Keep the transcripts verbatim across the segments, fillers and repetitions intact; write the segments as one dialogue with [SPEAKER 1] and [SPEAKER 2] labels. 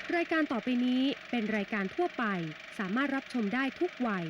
[SPEAKER 1] รายการต่อไปนี้เป็นรายการทั่วไปสามารถรับชมได้ทุกวัย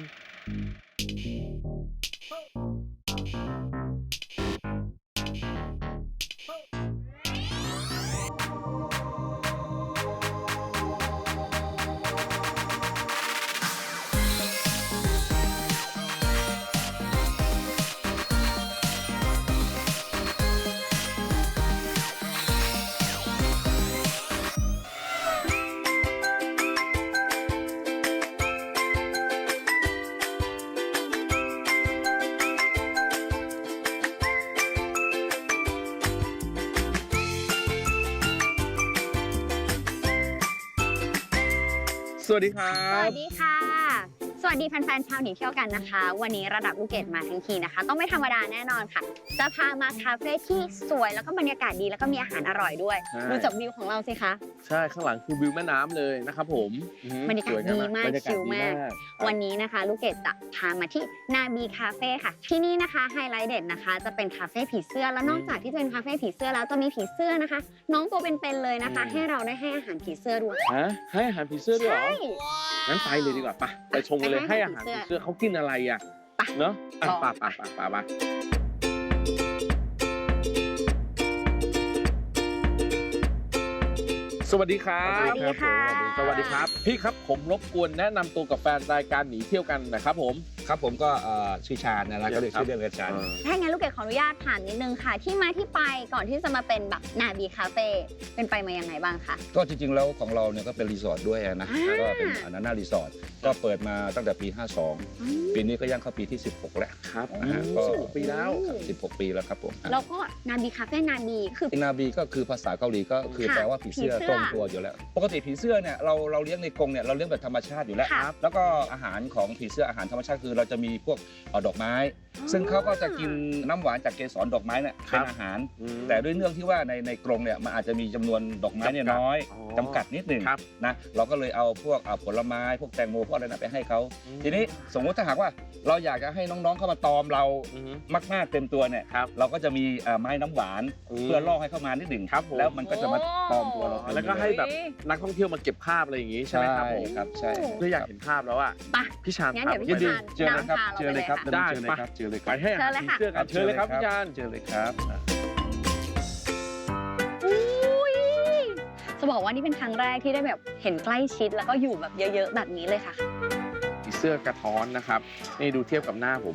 [SPEAKER 2] สวัสดีครับ
[SPEAKER 3] สวัสดีค่ะสวัสดีแฟนๆชาวหนีเที่ยวกันนะคะวันนี้ระดับลูกเกดมาทั้งทีนะคะต้องไม่ธรรมดาแน่นอนค่ะจะพามาคาเฟ่ที่สวยแล้วก็บรรยากาศดีแล้วก็มีอาหารอร่อยด้วยดูจากวิวของเราสิคะ
[SPEAKER 2] ใช่ข้างหลังคือวิวแม่น้ำเลยนะครับผม
[SPEAKER 3] บรรยากาศดีมากชิลมากวันนี้นะคะลูกเกดจะพามาที่นาบีคาเฟ่ค่ะที่นี่นะคะไฮไลท์เด็ดนะคะจะเป็นคาเฟ่ผีเสื้อแล้วนอกจากที่จะเป็นคาเฟ่ผีเสื้อแล้วจะมีผีเสื้อนะคะน้องตัวเป็นๆเลยนะคะให้เราได้ให้อาหารผีเสื้อด้วย
[SPEAKER 2] ฮะให้อาหารผีเสื้อด้วยเหรองั้นไปเลยดีกว่าปะไปชมกันเลยให้อาหารผีเสื้อเขากินอะไรอ่ะเนาะอ่ะปะปะปะปะปะสวัสดีครับ
[SPEAKER 3] สวัสดีค่ะ
[SPEAKER 2] สวัสดีครับพี่ครับผมรบกวนแนะนำตัวกับแฟนรายการหนีเที่ยวกันนะครับผม
[SPEAKER 4] ครับผมก็ชื่อชาญนะก็เรียกชื่อเล่นกันชาญ
[SPEAKER 3] ถ้างั้นลูกเกดขออนุญาตถามนิดนึงค่ะที่มาที่ไปก่อนที่จะมาเป็นแบบนาบีคาเฟ่เป็นไปมายังไงบ้างคะ
[SPEAKER 4] ก็จริงๆแล้วของเราเนี่ยก็เป็นรีสอร์ทด้วยนะก็เป็นอนันนารีสอร์ทก็เปิดมาตั้งแต่ปีห้าสองปีนี้ก็ย่างเข้าปีที่สิบหกแล้ว
[SPEAKER 2] ครับก็สิบหกปีแล้ว
[SPEAKER 4] สิบหกปีแล้วครับผม
[SPEAKER 3] แล้วก็นาบีคาเฟ่นาบีคือ
[SPEAKER 4] นาบีก็คือภาษาเกาหลีก็คือแปลว่าผีเสื้อตรงตัวอยู่แล้วปกติผีเสื้อเนี่ยเราเราเลี้ยงในกรงเนี่ยเราเลี้ยงแบบธรรมชาติอยู่แล้วแล้วก็อาหารของผีเสื้ออาหารธรรมชาติคือเราจะมีพวกดอกไม้ซึ่งเขาก็จะกินน้ำหวานจากเกสรดอกไม้เนี่ยเป็นอาหารแต่ด้วยเนื่องที่ว่าในในกรงเนี่ยมันอาจจะมีจำนวนดอกไม้เนี่ยน้อยจำกัดนิดหนึ่งนะเราก็เลยเอาพวกผลไม้พวกแตงโมพวกอะไรนะไปให้เขาทีนี้สมมติถ้าหากว่าเราอยากจะให้น้องๆเข้ามาตอมเรามากๆเต็มตัวเนี่ยเราก็จะมีไม้น้ำหวานเพื่อล่อให้เข้ามานิดหนึ่งแล้วมันก็จะมาตอมตัวเรา
[SPEAKER 2] แล้วก็ให้แบบนักท่องเที่ยวมาเก็บภาพอะไรอย่างงี้ใช่ไหมครับผม
[SPEAKER 4] ครับใช่
[SPEAKER 2] เพื่ออยากเห็นภาพแล้วอ่ะพี่ชาญ
[SPEAKER 3] งั้นเดี๋ยวพี่ชาญ
[SPEAKER 4] เจอเลยครับเจอเลยครับ
[SPEAKER 2] ได้
[SPEAKER 4] ไปเจอเลย
[SPEAKER 2] ไปให้อาหารผีเสื้อกันเชิญเลยครับพี่ชาญ
[SPEAKER 4] เจอเลยครับ
[SPEAKER 3] จะบอกว่านี่เป็นครั้งแรกที่ได้แบบเห็นใกล้ชิดแล้วก็อยู่แบบเยอะๆแบบนี้เลยค่ะ
[SPEAKER 2] ผีเสื้อกระท้อนนะครับนี่ดูเทียบกับหน้าผม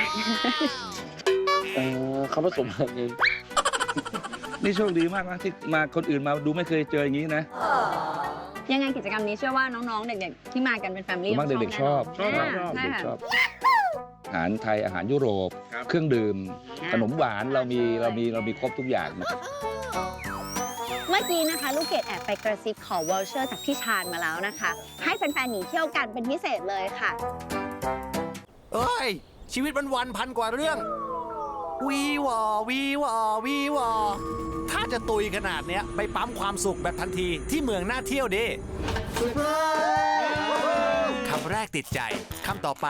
[SPEAKER 2] เออเขาผสมกันเอง
[SPEAKER 4] นี่โชคดีมากนะที่มาคนอื่นมาดูไม่เคยเจออย่างนี้นะ
[SPEAKER 3] ยังไงกิจกรรมนี้เชื่อว่าน้องๆเด็กๆที่มากันเป็นแฟมิลี่
[SPEAKER 4] ต้องเด็กๆชอบ
[SPEAKER 3] ชอบ
[SPEAKER 4] ชอบอาหารไทยอาหารยุโรปเครื่องดื่มขนมหวานเรามีเรามีเรามีครบทุกอย่างนะครับ
[SPEAKER 3] เมื่อกี้นะคะลูกเกดแอบไปกระซิบขอวอลเชอร์จากพี่ชาญมาแล้วนะคะให้แฟนๆหนีเที่ยวกันเป็นพิเศษเลยค่ะ
[SPEAKER 5] เอ้ยชีวิตวันวันพันกว่าเรื่องวีวอวีวอวีวอถ้าจะตุยขนาดเนี้ยไปปั๊มความสุขแบบทันทีที่เมืองน่าเที่ยวดิคำแรกติดใจคำต่อไป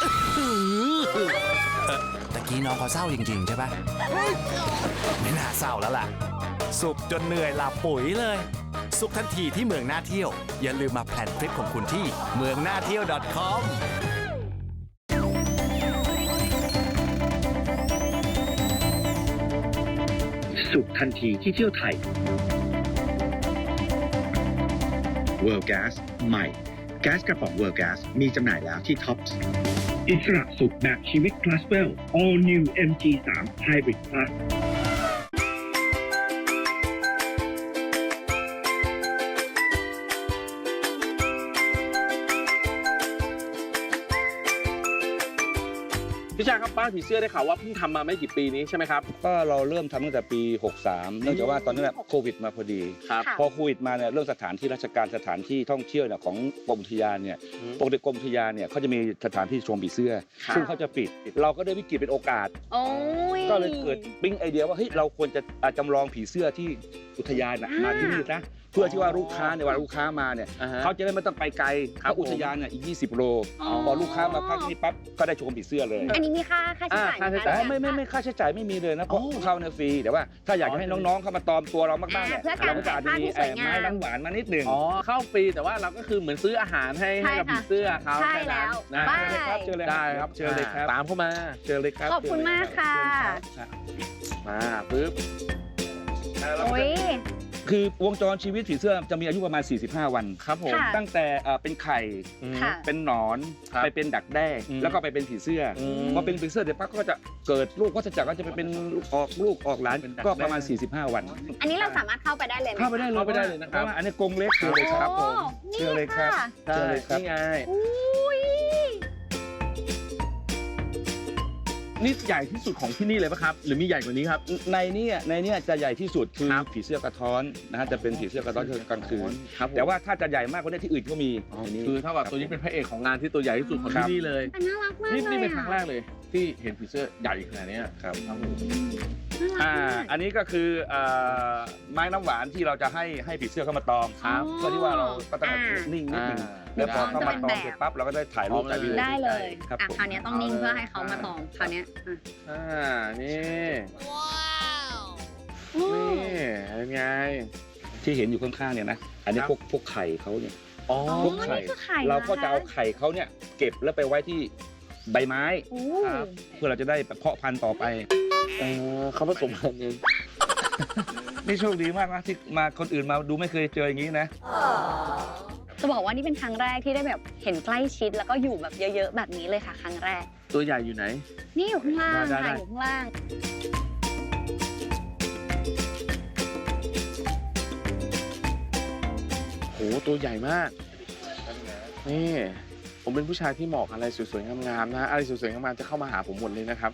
[SPEAKER 5] ตะกี้น้องเขาเศร้าจริงๆใช่ปะไม่น่าเศร้าแล้วล่ะสุขจนเหนื่อยหลับปุ๋ยเลยสุขทันทีที่เมืองน่าเที่ยวอย่าลืมมาแพลนทริปของคุณที่เมืองน่าเที่ยว .com
[SPEAKER 6] สุขทันทีที่เที่ยวไทย World Gas ใหม่แก๊สกระป๋อง World Gas มีจำหน่ายแล้วที่ Tops อิสระสุขแบบชีวิต Classwell All New เอ็ม จี ทรี Hybrid Plus
[SPEAKER 2] พี่ชาญครับบ้านผีเสื้อได้ข่าวว่าเพิ่งทำมาไม่กี่ปีนี้ใช่ไหมครับ
[SPEAKER 4] ก็เราเริ่มทำตั้งแต่ปีหกสามเนื่องจากว่าตอนนั้นแบบโควิดมาพอดีพอโควิดมาเนี่ยเรื่องสถานที่ราชการสถานที่ท่องเที่ยวเนี่ยของกรมอุทยานเนี่ยปกติกรมอุทยานเนี่ยเขาจะมีสถานที่ชมผีเสื้อซึ่งเขาจะปิดเราก็ได้วิกฤตเป็นโอกาสก็เลยเกิดปิ๊งไอเดียว่าเฮ้ยเราควรจะจำลองผีเสื้อที่อุทยานมาที่นี่นะเพื่อที่ว่าลูกค้าในยเวลาลูกค้ามาเนี่ย
[SPEAKER 2] อ่าฮะ
[SPEAKER 4] เขาจะได้ไม่ต้องไปไกล
[SPEAKER 2] ครับ
[SPEAKER 4] เขาอุทยานเนี่ยอีกยี่สิบโล
[SPEAKER 3] อ๋อ
[SPEAKER 4] พอลูกค้ามาพักที่นี่ปั๊บก็ได้ชมผีเสื้อเลย
[SPEAKER 3] อันนี้มีค่าค่าใช้จ่าย
[SPEAKER 2] อ่าค่าใช้
[SPEAKER 3] ไหม
[SPEAKER 2] จ่าย
[SPEAKER 3] คะ
[SPEAKER 4] ไม่ไม่ไม่ค่าใช้จ่ายไม่มีเลยนะเพราะ
[SPEAKER 2] อ๋อ
[SPEAKER 4] เข้าเนี่ยฟรีแต่ว่าถ้าอยากจะให้น้องๆเข้ามาตอมตัวเรามากๆเนี่ย
[SPEAKER 3] อ่าเพื่อการ
[SPEAKER 4] เราก็จะอาจจะมี
[SPEAKER 3] ถ่ายภาพที่สวยงาม
[SPEAKER 4] ไม้น้ำหวานมานิดหนึ่ง
[SPEAKER 2] อ๋อเข้าฟรีแต่ว่าเราก็คือเหมือนซื้ออาหารให้ให้กับ
[SPEAKER 3] ใช่ค่ะ
[SPEAKER 2] ผีเสื้อเขา
[SPEAKER 3] ใช่
[SPEAKER 2] ค่นั้น
[SPEAKER 3] แล้ว
[SPEAKER 2] นะ
[SPEAKER 3] บ้า
[SPEAKER 4] เชิญเลยครับ
[SPEAKER 2] ได้ครับ
[SPEAKER 4] เชิญเลยครับ
[SPEAKER 2] ตามเข้ามา
[SPEAKER 4] เชิญเลยครับ
[SPEAKER 3] ขอบคุณมากค่ะ
[SPEAKER 4] เชิญรับ
[SPEAKER 2] มาปึ๊บ
[SPEAKER 3] โอ้ย
[SPEAKER 4] คือวงจรชีวิตผีเสื้อจะมีอายุประมาณ สี่สิบห้า วัน
[SPEAKER 2] ครับผม
[SPEAKER 3] ค่ะ
[SPEAKER 4] ตั้งแต่เอ่อเป็นไข่
[SPEAKER 2] อืม
[SPEAKER 3] ค่ะ
[SPEAKER 4] เป็นหนอน
[SPEAKER 2] ครับ
[SPEAKER 4] ไปเป็นดักแด้
[SPEAKER 2] อืม
[SPEAKER 4] แล้วก็ไปเป็นผีเสื้ออ
[SPEAKER 2] ม
[SPEAKER 4] พอเป็นผีเสื้อเดี๋ยวปั๊บก็จะเกิดลูกก็จะจักก็จะไปเป็นลูกออกลูกออกหลาน
[SPEAKER 2] เป็นดัก
[SPEAKER 4] ก็ประมาณ
[SPEAKER 2] แด้
[SPEAKER 4] สี่สิบห้า วัน
[SPEAKER 3] อันนี้เราสามารถเข้าไปได้เลยไหม
[SPEAKER 4] เข้าไปได้เลย
[SPEAKER 2] เข้าไปได้เลยนะครับ
[SPEAKER 4] พาว่าอันนี้กรงเล็กเชิญเลยครับผม
[SPEAKER 3] โอ้
[SPEAKER 4] เชิญเลยครับ
[SPEAKER 3] นี่ะ
[SPEAKER 4] เชิญเลยครับ
[SPEAKER 2] นี่ไง
[SPEAKER 3] อุ้ย
[SPEAKER 2] นี่ใหญ่ที่สุดของที่นี่เลยปะครับ หรือมีใหญ่กว่านี้ครับ
[SPEAKER 4] ในเนี้ในเนี้จะใหญ่ที่สุดคือ
[SPEAKER 2] ครับ
[SPEAKER 4] ผีเสื้อกระท้อนนะฮะจะเป็นผีเสื้อกระท้อนกลางคืน
[SPEAKER 2] ครับผม
[SPEAKER 4] แต่ว่าถ้าจะใหญ่มากกว่านี้ที่อื่นก็มี
[SPEAKER 2] อ๋อ
[SPEAKER 4] ในนี้
[SPEAKER 2] คือเท่ากับตัวนี้เป็นพระเอกของงานที่ตัวใหญ่ที่สุดของ
[SPEAKER 4] ครั
[SPEAKER 2] ที่
[SPEAKER 4] บ
[SPEAKER 2] นี่เลย
[SPEAKER 3] แต่น่ารักมาก
[SPEAKER 2] นี่
[SPEAKER 3] เลย
[SPEAKER 2] นี่เป็น
[SPEAKER 3] อะ
[SPEAKER 2] ครั้งแรกเลย ที่เห็นผีเสื้อใหญ่ขนาดเนี้ย
[SPEAKER 4] ครับ
[SPEAKER 2] ครับผม
[SPEAKER 3] น่ารัก
[SPEAKER 4] อ่าม
[SPEAKER 3] าก
[SPEAKER 4] อันนี้ก็คือเอ่อไม้น้ำหวานที่เราจะให้ให้ผีเสื้อเข้ามาตอม
[SPEAKER 3] ครับ
[SPEAKER 4] เพื่อที่ว่าเราก็ต้อง
[SPEAKER 3] อ่า
[SPEAKER 4] นิ่งนิดนึง
[SPEAKER 2] อ่า
[SPEAKER 4] แล้วพอเข้ามาตอม
[SPEAKER 3] จะเป็นแบบ
[SPEAKER 4] เสร็จปั๊บเราก็ได้ถ่ายรูปถ่ายวิดีโอ
[SPEAKER 3] ได้เลย
[SPEAKER 4] ครับ
[SPEAKER 3] อ่ะ
[SPEAKER 4] ผม
[SPEAKER 3] คราวนี้ต้องนิ่งเพื่อให้เขามาตอมคราวเนี้ยอ่ะ
[SPEAKER 2] อ่า นี่
[SPEAKER 3] โอ้
[SPEAKER 2] นี่เป็นไง
[SPEAKER 4] ที่เห็นอยู่ข้างๆเนี่ยนะอันนี้
[SPEAKER 2] ครับ
[SPEAKER 4] พวกพวกไข่เขาเนี่ย
[SPEAKER 2] อ๋อ
[SPEAKER 3] อ๋อ
[SPEAKER 4] พวกไข่
[SPEAKER 3] นี่คือไข่
[SPEAKER 4] เราก็
[SPEAKER 3] หอค
[SPEAKER 4] จะเอาไข่เขาเนี่ยเก็บแล้วไปไว้ที่ใบไม้
[SPEAKER 3] โอ้
[SPEAKER 2] ครับ
[SPEAKER 4] เพื่อเราจะได้เพาะพันธุ์ต่อไป
[SPEAKER 2] เออเขาผสมพันธุ์เอง
[SPEAKER 4] นี่โชคดีมากนะที่มาคนอื่นมาดูไม่เคยเจออย่างนี้นะ
[SPEAKER 3] จะบอกว่านี่เป็นครั้งแรกที่ได้แบบเห็นใกล้ชิดแล้วก็อยู่แบบเยอะๆแบบนี้เลยค่ะ ครั้งแรก
[SPEAKER 2] ตัวใหญ่อยู่ไหน
[SPEAKER 3] นี่อยู่ข้างล่าง
[SPEAKER 2] ได้ได้
[SPEAKER 3] ค่ะอยู่ข้างล่าง
[SPEAKER 2] โห ตัวใหญ่มาก นี่ ผมเป็นผู้ชายที่เหมาะกับอะไรสวยๆ งามๆ นะ อะไรสวยๆ งามๆ จะเข้ามาหาผมหมดเลยนะครับ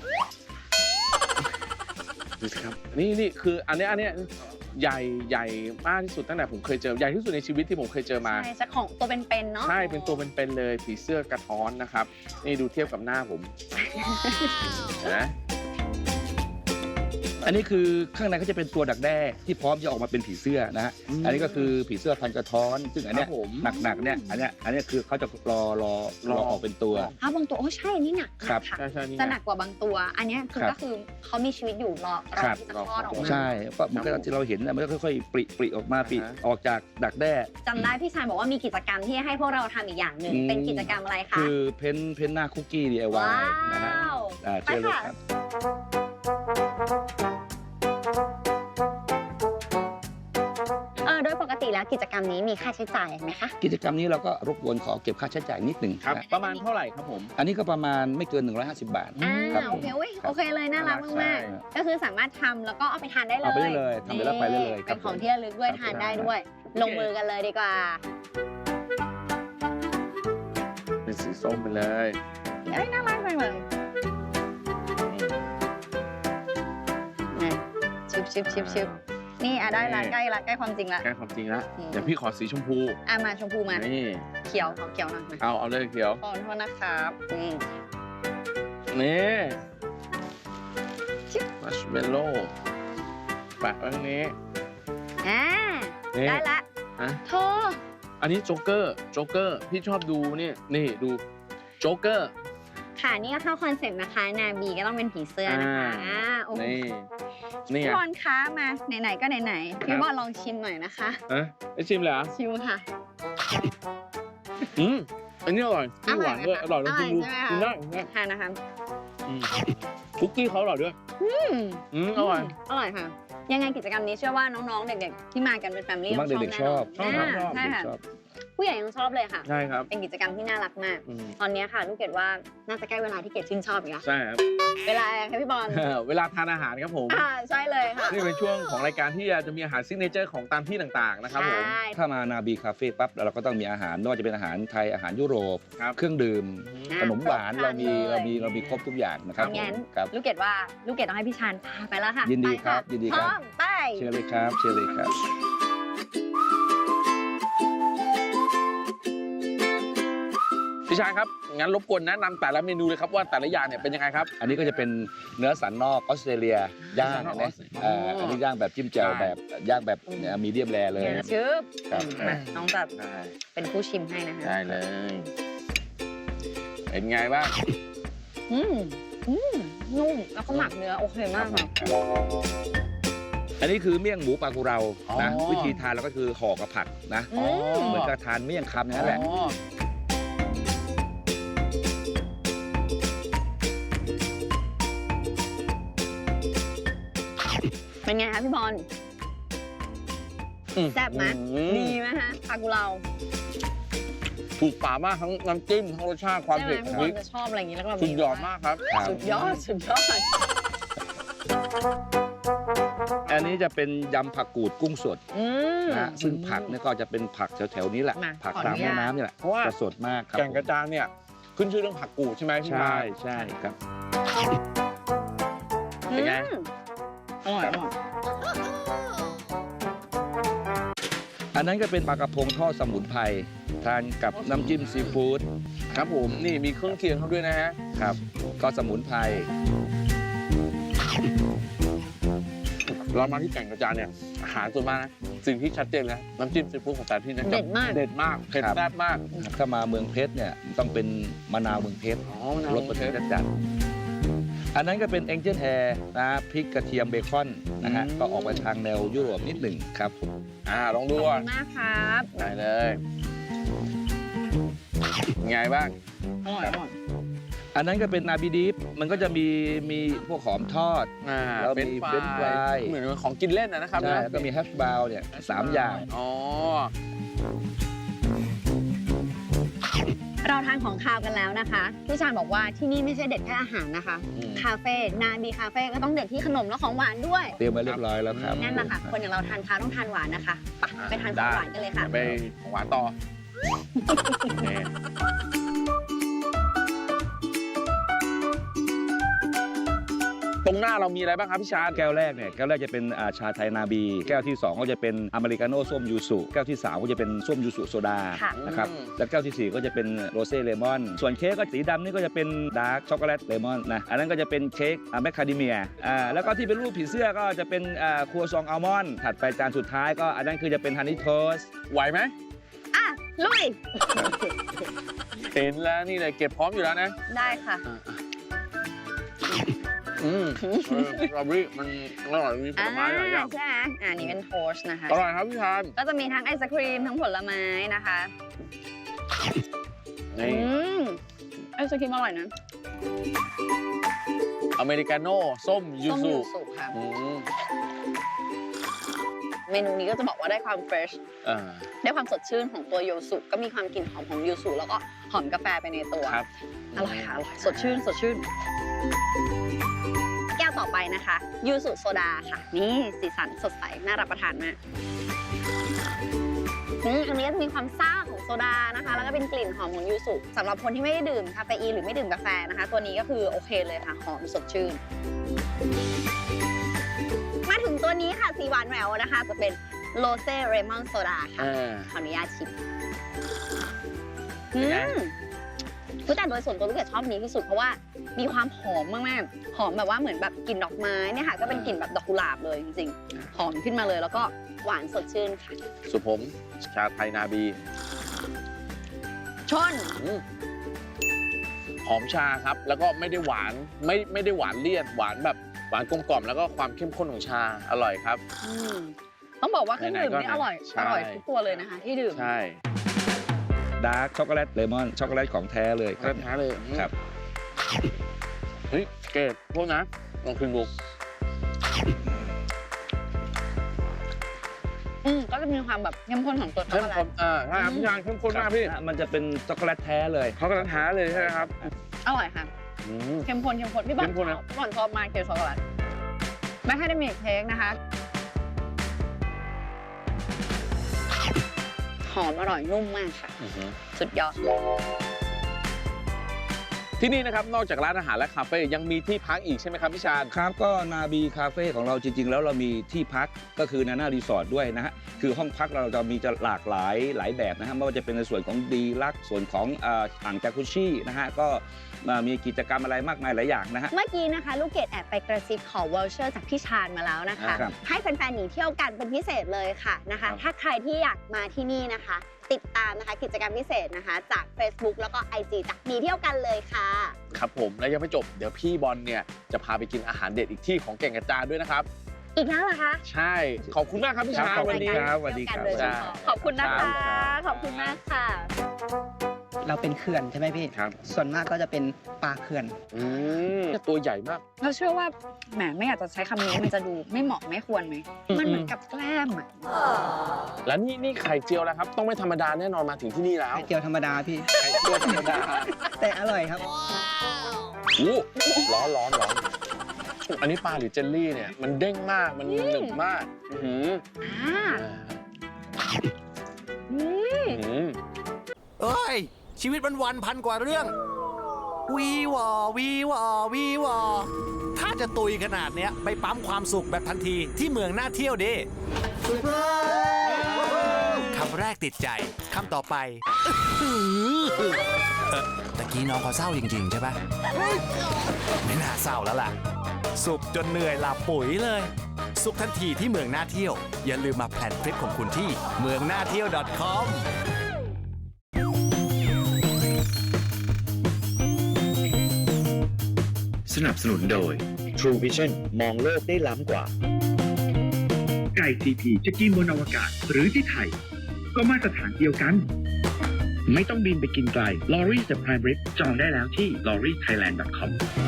[SPEAKER 2] ดูสิครับ นี่นี่คืออันเนี้ยอันเนี้ยใหญ่ใหญ่มากที่สุดตั้งแต่ผมเคยเจอ ใหญ่ที่สุดในชีวิตที่ผมเคยเจอมา
[SPEAKER 3] ใช่จะของตัวเป็นๆเนาะ
[SPEAKER 2] ใช่ เป็นตัวเป็นๆ เลย ผีเสื้อกระท้อนนะครับ นี่ดูเทียบกับหน้าผมนะ
[SPEAKER 4] อันนี้คือข้างในก็จะเป็นตัวดักแด้ที่พร้อมจะออกมาเป็นผีเสื้อนะฮะ
[SPEAKER 2] อืม
[SPEAKER 4] อันนี้ก็คือผีเสื้อพันกระท้อน ซึ่งอันเนี้ย
[SPEAKER 2] ครับผม
[SPEAKER 4] หนักๆเนี่ยอันเนี้ยอันเนี้ยคือเขาจะรอรอรอออกเป็นตัว
[SPEAKER 3] อ้าวบางตัวโอ้ใช่นี่หนัก
[SPEAKER 4] ครับ
[SPEAKER 3] ค่ะ
[SPEAKER 2] ใช่ใช่นี่ไง
[SPEAKER 3] จะหนักกว่าบางตัว อันเนี้ยคือ
[SPEAKER 4] ครับ
[SPEAKER 3] ก็คือเขามีชีวิตอยู่รอรอ
[SPEAKER 4] ครับ
[SPEAKER 3] ที่จะคลอดออกมา
[SPEAKER 4] ใช่ก็มันก็ที่เราเห็นนะมันก็ค่อยๆปริปริออกมาปริ
[SPEAKER 2] อ่าฮะ
[SPEAKER 4] ออกจากดักแด้
[SPEAKER 3] จำได้พี่ชายบอกว่ามีกิจกรรมที่ให้พวกเราทำอีกอย่างหนึ่ง
[SPEAKER 4] อืม
[SPEAKER 3] เป็นกิจกรรมอะไรคะ
[SPEAKER 4] คือเพ้นเพ้นหน้าคุกกี้ ดี ไอ วา
[SPEAKER 3] ว้าย
[SPEAKER 4] นะฮะ
[SPEAKER 3] ว
[SPEAKER 4] อ่าเชิญเลยครับ
[SPEAKER 3] เออโดยปกติแล้วกิจกรรมนี้มีค่าใช้จ่ายไหมคะ
[SPEAKER 4] กิจกรรมนี้เราก็รบกวนขอเก็บค่าใช้จ่ายนิดหนึ่ง
[SPEAKER 2] ครับ
[SPEAKER 4] นะ
[SPEAKER 2] ประมาณเท่าไหร่ครับผม
[SPEAKER 4] อันนี้ก็ประมาณไม่เกินหนึ่งร้อยห้าสิบบาท
[SPEAKER 3] อ่า
[SPEAKER 4] ครับผ
[SPEAKER 3] โอ
[SPEAKER 4] ม
[SPEAKER 3] เคอุ๊ยโอเคเลยน่ารัก
[SPEAKER 2] ใช่
[SPEAKER 3] มากๆก็คือสามารถทำแล้วก็เอาไปทานได้เลย
[SPEAKER 4] เอาไปได้เลยทำไปแล้วไปได้เลย
[SPEAKER 3] นี่
[SPEAKER 4] ครั
[SPEAKER 3] เป็
[SPEAKER 4] บ
[SPEAKER 3] นของ
[SPEAKER 4] ผม
[SPEAKER 3] ที่ระลึกด้วย
[SPEAKER 4] ครับ
[SPEAKER 3] ทานได้ด้วย ลงมือกันเลยดีกว่า
[SPEAKER 2] เป็นสีส้มไปเลย
[SPEAKER 3] เอ้ยน่ารักจังเลยนะชิบชิบชิบชิบนี่อ่ะได้ละใกล้ละใกล้ความจริงละ
[SPEAKER 2] แก้ความจริงแล้ว
[SPEAKER 3] อืม
[SPEAKER 2] เดี๋ยวพี่ขอสีชมพู
[SPEAKER 3] อ่ะมาชมพูมา
[SPEAKER 2] นี่
[SPEAKER 3] เขียวขอเขียวหน่อยมา
[SPEAKER 2] เอาเอาเลยเขียว
[SPEAKER 3] ขอโทษนะครับนี่
[SPEAKER 2] นี่มัชเมลโล่แปะไว้ตรงนี้
[SPEAKER 3] อ่า
[SPEAKER 2] นี่
[SPEAKER 3] ได้ละ
[SPEAKER 2] ฮะ
[SPEAKER 3] โธ่
[SPEAKER 2] อันนี้โจ๊กเกอร์ โจ๊กเกอร์ พี่ชอบดูนี่ นี่ดู โจ๊กเกอร์
[SPEAKER 3] ค่ะนี่ก็เข้าคอนเซ็ปต์นะคะ นาบีก็ต้องเป็นผีเสื้อนะคะ
[SPEAKER 2] อ่า
[SPEAKER 3] อ่าโอ้โห
[SPEAKER 2] นี่ นี่
[SPEAKER 3] พี่
[SPEAKER 2] ไง
[SPEAKER 3] บอลคะมาไหนๆก็ไหนๆพี่บอลลองชิมหน่อยนะคะ
[SPEAKER 2] ฮะไอชิมเลยเหรอ
[SPEAKER 3] ชิมค่ะ
[SPEAKER 2] อืมอันนี้อร่อยพี่หวานด้วย อ
[SPEAKER 3] อร่
[SPEAKER 2] ร่
[SPEAKER 3] อ
[SPEAKER 2] อย ย
[SPEAKER 3] ไหม
[SPEAKER 2] ลองชิมดู
[SPEAKER 3] อร่อยใช่ไหมคะ
[SPEAKER 2] กินได้กินได้
[SPEAKER 3] ทานนะคะ
[SPEAKER 2] อืมคุกกี้เขาอร่อยด้วย
[SPEAKER 3] อืม
[SPEAKER 2] อืมอร่อย
[SPEAKER 3] อร่อยค่ะ ยังไงกิจกรรมนี้เชื่อว่าน้องๆ เด็กๆ ที่มากันเป็นแฟมิลี่
[SPEAKER 4] ผมว่าเด็กๆชอบ
[SPEAKER 3] แน่นอน
[SPEAKER 2] ชอบ
[SPEAKER 3] อ่าใช่
[SPEAKER 4] เด็ก
[SPEAKER 3] ค่ะ
[SPEAKER 4] ชอบ
[SPEAKER 3] ผู้ใหญ่ยังชอบเลยค่ะ
[SPEAKER 2] ใช่ครับ
[SPEAKER 3] เป็นกิจกรรมที่น่ารักมาก
[SPEAKER 2] อืม
[SPEAKER 3] ตอนนี้ค่ะลูกเกดว่าน่าจะใกล้เวลาที่เกดชื่นชอบอีกแล้ว
[SPEAKER 2] ใช่ครับ
[SPEAKER 3] เวลาอะไรคะพี่บอล
[SPEAKER 2] เวลาทานอาหารครับผม
[SPEAKER 3] อ่าใช่เลยค่ะ
[SPEAKER 2] นี่เป็นช่วงของรายการที่จะมีอาหารซิกเนเจอร์ของตามที่ต่างๆนะครับผม
[SPEAKER 3] ใช่
[SPEAKER 4] ถ้ามานาบีคาเฟ่ปั๊บเราก็ต้องมีอาหารไม่ว่าจะเป็นอาหารไทยอาหารยุโรป
[SPEAKER 2] ครับ
[SPEAKER 4] เครื่องดื่ม
[SPEAKER 3] อ่ะ
[SPEAKER 4] ขนมหวาน
[SPEAKER 3] ครบครั
[SPEAKER 4] เรา
[SPEAKER 3] น
[SPEAKER 4] มี
[SPEAKER 3] เลย
[SPEAKER 4] เรามีเรามีครบทุกอย่างนะครับ
[SPEAKER 3] งั้น
[SPEAKER 4] ครับ
[SPEAKER 3] ลูกเกดว่าลูกเกดต้องให้พี่ชานพาไปแล้วค่ะ
[SPEAKER 4] ยินดี
[SPEAKER 3] ไปะ
[SPEAKER 4] ครับยินดีครับ
[SPEAKER 3] พร้อมไป
[SPEAKER 4] เชิญเลยครับเชิญเลยครับ
[SPEAKER 2] ฟพี่ชายครับงั้นรบกวนแนะนำแต่ละเมนูเลยครับว่าแต่ละอย่างเนี่ยเป็นยังไงครับ
[SPEAKER 4] อันนี้ก็จะเป็นเนื้อสันนอกออสเตรเลียย่าง
[SPEAKER 2] สันนอกอ
[SPEAKER 4] นะ
[SPEAKER 2] อสเตรเลีย
[SPEAKER 4] เอ่ออันนี้ย่างแบบจิ้มแจ่ว
[SPEAKER 2] ใช่
[SPEAKER 4] แบบย่างแบบมีเดียมแรเลย
[SPEAKER 3] เดี๋ยวชื่อ
[SPEAKER 4] ครับ
[SPEAKER 3] มาน้องแบบ
[SPEAKER 2] ได้
[SPEAKER 3] เป็นผู้ชิมให้นะคะ
[SPEAKER 2] ได้เลย เป็นไงบ้าง
[SPEAKER 3] อืมอืมนุ่มแล้วก็หมักเนื้อโอเคมากค่ะ
[SPEAKER 4] อันนี้คือเมี่ยงหมูปลากุเรา
[SPEAKER 2] อ๋อ
[SPEAKER 4] นะวิธีทานเราก็คือห่อกับผักนะ
[SPEAKER 3] อืม
[SPEAKER 4] เหมือนกับทานเมี่ยงคำอย่างนั้นแหละ
[SPEAKER 2] อ๋อ
[SPEAKER 3] เป็นไงคะพี่บอล
[SPEAKER 2] อืม
[SPEAKER 3] แซ่บไหม
[SPEAKER 2] อืม
[SPEAKER 3] ดีไหมฮะปลากุเลา
[SPEAKER 2] ถูกปากมากทั้งน้ำจิ้มทั้งรสชาติความ
[SPEAKER 3] ใช่ไหม
[SPEAKER 2] เผ็ด
[SPEAKER 3] พี่
[SPEAKER 2] พ
[SPEAKER 3] บอ
[SPEAKER 2] ริ
[SPEAKER 3] ล
[SPEAKER 2] ก
[SPEAKER 3] จะชอบอะไรอย่างนี้แล้วก็เรา
[SPEAKER 2] สุดยอดมากครับ
[SPEAKER 4] ครับ
[SPEAKER 3] สุดยอดสุดยอด
[SPEAKER 4] อันนี้จะเป็นยำผักกูดกุ้งสด
[SPEAKER 3] อืม
[SPEAKER 4] นะซึ่งผักเนี่ยก็จะเป็นผักแถวๆนี้แหละ
[SPEAKER 3] มา
[SPEAKER 4] ผัก
[SPEAKER 3] ขอ
[SPEAKER 4] ตาม
[SPEAKER 3] อนุญา
[SPEAKER 4] แม่
[SPEAKER 3] ต
[SPEAKER 4] น้ำนี่แหละ
[SPEAKER 2] เพราะว่า
[SPEAKER 4] จะสดมากครับ
[SPEAKER 2] แก่งกระจานเนี่ยขึ้นชื่อเรื่องผักกูดใช่ไหมพี่
[SPEAKER 4] ใช่
[SPEAKER 2] ชาย
[SPEAKER 4] ใช่ครับ
[SPEAKER 2] เป็นไง
[SPEAKER 3] อืมอร่อยอร่อย
[SPEAKER 4] อันนั้นก็เป็นปลากระพงทอดสมุนไพรทานกับน้ำจิ้มซีฟู้ด
[SPEAKER 2] ครับผมนี่มีเครื่องเคียงเขาด้วยนะฮะ
[SPEAKER 4] ครับก็สมุนไพร
[SPEAKER 2] เรามาที่แก่งกระจานเนี่ยอาหารส่วนมากนะสิ่งที่ชัดเจนเลยนะน้ำจิ้มซีฟู้ดของแต่ละที่นะ
[SPEAKER 3] เด็ดมาก
[SPEAKER 2] เด็ดมากเผ็ดแซ่บมาก
[SPEAKER 4] ถ้ามาเมืองเพชรเนี่ยต้องเป็นมะนาวเมืองเพชร
[SPEAKER 2] อ๋อมะนาว
[SPEAKER 4] รสประเทศจัดๆอันนั้นก็เป็นเอ็งเจิลแฮร์นะพริกกระเทียมเบคอนนะฮะก็ออกไปทางแนวยุโรปนิดหนึ่งครับ
[SPEAKER 2] อ่าลอง
[SPEAKER 3] ข
[SPEAKER 2] ดู
[SPEAKER 3] อบ
[SPEAKER 2] อ่ะ
[SPEAKER 3] คุณมากครับ
[SPEAKER 2] ได้เลยไงบ้าง
[SPEAKER 3] อร่อยอร่อย
[SPEAKER 4] อันนั้นก็เป็นนาบีดิฟมันก็จะมีมีพวกหอมทอด
[SPEAKER 2] อ่า
[SPEAKER 4] แล้วมี
[SPEAKER 2] เป็น
[SPEAKER 4] French
[SPEAKER 2] ฟราย
[SPEAKER 4] fry
[SPEAKER 2] เหมือนของกินเล่นนะนะครับ
[SPEAKER 4] ใช่แล้วก็มีแฮชบราวน์เนี่ยสามอย่าง
[SPEAKER 2] อ๋อ
[SPEAKER 3] เราทานของคาวกันแล้วนะคะพี่ชาญบอกว่าที่นี่ไม่ใช่เด็ดแค่อาหารนะคะ
[SPEAKER 2] อืม
[SPEAKER 3] คาเฟ่นาบีคาเฟ่ก็ต้องเด็ดที่ขนมและของหวานด้วย
[SPEAKER 4] เตรียมไว้เรียบร้อยแล้วครับ
[SPEAKER 3] นั่นแหละค่ะ คนอย่างเราทานคาวต้องทานหวานนะคะไปไปทานของหวานกันเลยค่ะ
[SPEAKER 2] ไปของหวานต่อนี่ตรงหน้าเรามีอะไรบ้างครับพี่ชาญ
[SPEAKER 4] แก้วแรกเนี่ยแก้วแรกจะเป็นอ่าชาไทยนาบี แก้วที่สองก็จะเป็นอเมริกาโน่ส้มยูสุแก้วที่สามก็จะเป็นส้มยูสุโซดา
[SPEAKER 3] ค่ะ
[SPEAKER 4] นะครับ
[SPEAKER 2] อืม
[SPEAKER 4] แล้วแก้วที่สี่ก็จะเป็นโรเซ่เลมอน ส่วนเค้กก็สีดำนี่ก็จะเป็นดาร์กช็อกโกแลตเลมอนนะอันนั้นก็จะเป็นเค้กแมคคาเดเมียอ่าแล้วก็ที่เป็นรูปผีเสื้อก็จะเป็นอ่าครัวซองอัลมอนด์ถัดไปจานสุดท้ายก็อันนั้นคือจะเป็นฮันนี่โทส
[SPEAKER 2] ไหวไหม
[SPEAKER 3] อ่ะลุย
[SPEAKER 2] เห็นแล้วนี่เลยเก็บพร้อมอยู่แล้วนะ
[SPEAKER 3] ได้ค่ะ
[SPEAKER 2] อืมเออราบรี่มันอร่อยมีผลไม้หลายอย่าง
[SPEAKER 3] ใช่ไหมอ่านี่เป็นโทสต์นะคะ
[SPEAKER 2] อร่อยครับพี่ชาญ
[SPEAKER 3] ก็จะมีทั้งไอศครีมทั้งผลไม้นะคะ
[SPEAKER 2] นี่
[SPEAKER 3] อืมไอศครีมอร่อยนะ
[SPEAKER 2] อเมริกาโน่ส้มยู
[SPEAKER 3] ส้ม
[SPEAKER 2] สุ
[SPEAKER 3] ยูสุค่ะ
[SPEAKER 2] อืม
[SPEAKER 3] เมนูนี้ก็จะบอกว่าได้ความเฟรช
[SPEAKER 2] อ่า
[SPEAKER 3] ได้ความสดชื่นของตัวยูสุก็มีความกลิ่นหอมของยูสุแล้วก็หอมกาแฟไปในตัว
[SPEAKER 2] ครับ
[SPEAKER 3] อร่อยค่ะอร่อยสดชื่นสดชื่น แก้วต่อไปนะคะยูสุโซดาค่ะ นี่สีสันสดใสน่ารับประทานมากอืมอันนี้ก็จะมีความซ่าของโซดานะคะ แล้วก็เป็นกลิ่นหอมของยูสุสำหรับคนที่ไม่ได้ดื่มคาเฟอีนหรือไม่ดื่มกาแฟนะคะ ตัวนี้ก็คือโอเคเลยค่ะหอมสดชื่น มาถึงตัวนี้ค่ะสีหวานแหววนะคะ จะเป็นโรเซ่เรมอนโซดาค่ะ
[SPEAKER 2] อ่า
[SPEAKER 3] ขออนุญาตชิม
[SPEAKER 2] เป็
[SPEAKER 3] อื
[SPEAKER 2] นไง
[SPEAKER 3] มคือแต่โดยส่วนตัวลูกเกดชอบนี้ที่สุดเพราะว่ามีความหอมมากๆ หอมแบบว่าเหมือนแบบกลิ่นดอกไม้เนี่ยค่ะ ก็เป็นกลิ่นแบบดอกกุหลาบเลยจริงๆ หอมขึ้นมาเลยแล้วก็หวานสดชื่นค่ะ
[SPEAKER 2] สุผมชาไทยนาบี
[SPEAKER 3] ชน
[SPEAKER 2] อืมหอมชาครับ แล้วก็ไม่ได้หวานไม่ไม่ได้หวานเลี่ยนหวานแบบหวานกลมกล่อมแล้วก็ความเข้มข้นของชาอร่อยครับ
[SPEAKER 3] อืมต้องบอกว่าเครื่องดื่ม
[SPEAKER 2] ไหนๆก็
[SPEAKER 3] นี่อร่อย
[SPEAKER 2] ใช่
[SPEAKER 3] อร่อยทุกตัวเลยนะคะ ที่ดื่ม
[SPEAKER 2] ใช่
[SPEAKER 4] ดาร์กช็อกโกแลตเลมอนช็อกโกแลตของแท้เลยค
[SPEAKER 2] ก
[SPEAKER 4] รั
[SPEAKER 2] ระ
[SPEAKER 4] บ
[SPEAKER 2] ทะเลยอืม
[SPEAKER 4] ครับ
[SPEAKER 2] เฮ้ยเกดพวกนะลองคืนดู
[SPEAKER 3] อืมก็จะมีความแบบเข้มข้นของตัวช็อก
[SPEAKER 2] เข้
[SPEAKER 3] โก
[SPEAKER 2] ม
[SPEAKER 3] แล
[SPEAKER 2] ข้
[SPEAKER 3] ต
[SPEAKER 2] นอ่าใช่ครับพี่ชานเข้มข้นมากพี่
[SPEAKER 4] มันจะเป็นช็อกโกแลตแท้เลย
[SPEAKER 2] เขากระทะเลยใช่ไหมครับ
[SPEAKER 3] อร่อยค่ะ
[SPEAKER 2] อืม
[SPEAKER 3] เข้มข้นเข้มข้นพี่บอล
[SPEAKER 2] เข้มข้น
[SPEAKER 3] ช
[SPEAKER 2] นะ
[SPEAKER 3] อบพี่บอลชอบมากเค้กช็อกโกแลตแมคคาเดเมียเค้กนะคะ หอมอร่อยนุ่มมากค่ะ
[SPEAKER 2] อื้อหือ
[SPEAKER 3] สุดยอด
[SPEAKER 2] ที่นี่นะครับนอกจากร้านอาหารและคาเฟ่ยังมีที่พักอีกใช่ไหมครับพี่ชาญ
[SPEAKER 4] ครับก็นาบีคาเฟ่ของเราจริงๆแล้วเรามีที่พักก็คือนาน่ารีสอร์ทด้วยนะฮะคือห้องพักเราจะมีจะหลากหลายหลายแบบนะฮะไม่ว่าจะเป็นในส่วนของดีลักซ์ส่วนของอ่าอ่างจากุชี่นะฮะก็อ่ามีกิจกรรมอะไรมากมายหลายอย่างนะฮะ
[SPEAKER 3] เมื่อกี้นะคะลูกเกดแอบไปกระซิบขอวอลเชอร์จากพี่ชาญมาแล้วนะคะ
[SPEAKER 4] ครับ
[SPEAKER 3] ให้แฟนๆหนีเที่ยวกันเป็นพิเศษเลยค่ะนะคะ
[SPEAKER 2] ครับ
[SPEAKER 3] ถ้าใครที่อยากมาที่นี่นะคะ ติดตามนะคะกิจกรรมพิเศษนะคะ จาก Facebook แล้วก็ ไอ จี จากหนีเที่ยวกันเลยค่ะ
[SPEAKER 2] ครับผมแล้วยังไม่จบเดี๋ยวพี่บอลเนี่ยจะพาไปกินอาหารเด็ดอีกที่ของแก่งกระจานด้วยนะครับ
[SPEAKER 3] อีกแล้วเหรอคะ
[SPEAKER 2] ใช่ขอบคุณมากครับพี่ชาญ
[SPEAKER 4] ครับ
[SPEAKER 2] วันนี้
[SPEAKER 4] ครับสวัสดีครับ
[SPEAKER 3] เที่ยวกันโดยเฉพาะขอบคุณนะคะ
[SPEAKER 2] ครับ
[SPEAKER 3] ขอบคุณมากค่ะ
[SPEAKER 7] เราเป็นเขื่อนใช่ไหมพี่
[SPEAKER 2] ครับ
[SPEAKER 7] ส่วนมากก็จะเป็นปลาเขื่อน
[SPEAKER 2] อืมตัวใหญ่มาก
[SPEAKER 8] เราเชื่อว่าแหมไม่อยากจะใช้คำนี้มันจะดูไม่เหมาะไม่ควรไหม
[SPEAKER 2] อืม
[SPEAKER 8] มันเหมือนกับแกล้มอ่ะ
[SPEAKER 2] แล้วนี่นี่ไข่เจียวแล้วครับ ต้องไม่ธรรมดาแน่นอนมาถึงที่นี่แล้ว
[SPEAKER 7] ไข่เจียวธรรมดาพี่
[SPEAKER 2] ไข่เจียวธรรมดา
[SPEAKER 7] แต่อร่อยครับ
[SPEAKER 2] อู้ร้อนร้อนร้อนอันนี้ปลาหรือเจลลี่เนี่ยมันเด้งมากมันหนึบมากอื้อหือ
[SPEAKER 8] อ่า
[SPEAKER 2] อื้อหือ
[SPEAKER 5] เอ้ย ชีวิตวันวันๆพันกว่าเรื่อง วีวอวีวอวีวอถ้าจะตุยขนาดเนี้ย ไปปั๊มความสุขแบบทันทีที่เมืองน่าเที่ยวดิคำแรกติดใจ คำต่อไปอื้อหือเออตะกี้น้องเขาเศร้าจริง ๆ ใช่ปะไม่น่าเศร้าแล้วล่ะ สุขจนเหนื่อยหลับปุ๋ยเลย สุขทันทีที่เมืองน่าเที่ยว อย่าลืมมาแพลนทริปของคุณที่เมืองน่าเที่ยว .com
[SPEAKER 6] สนับสนุนโดย True Vision มองโลกได้ล้ำกว่า ไก่ ซี พี จะกินบนอวกาศหรือที่ไทย ก็มาตรฐานเดียวกัน ไม่ต้องบินไปกินไกล Lorry The Prime Rib จองได้แล้วที่ ลอรี่ไทยแลนด์ ดอท คอม